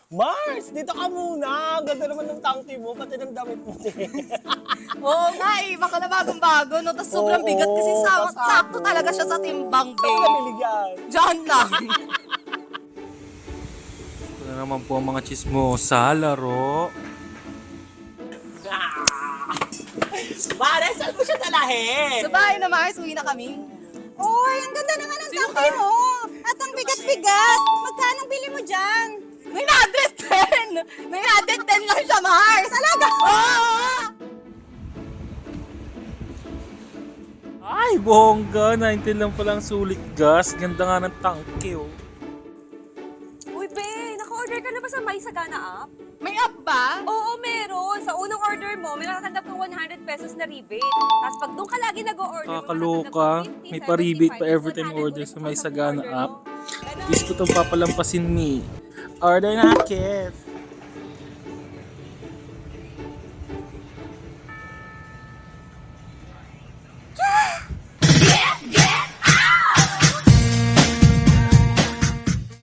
Mars, dito ka muna. Ganda naman ng tangke mo, pati ng damit mo. Oo nga eh, baka na bagong-bago, no? Tapos sobrang Oo, bigat kasi pasado. sakto talaga siya sa timbang, Saan babe. nabilig yan? Diyan lang. Ito na naman po ang mga chismosa, laro. Mare, saan mo siya dalahin? Sa bahay na, Mars, uwi na kami. Oy, ang ganda naman ng Sino tangke ka? mo. At ang bigat-bigat. Magkano bili mo dyan? 910! 910 lang siya, Mars! Talaga? Oo! Ay, bongga. 19 lang palang sulit gas. Ganda nga ng tangke, oh. Uy, be, naka-order ka na ba sa My Sagana app? May app ba? Oo, meron. Sa unang order mo, may natatanggap kang 100 pesos na rebate. Tapos pag doon ka lagi nag-o-order, Kakaloka. May pa-rebate pa every time order sa My Sagana app. Gusto ko itong papalampasin ni. Order na, Kev.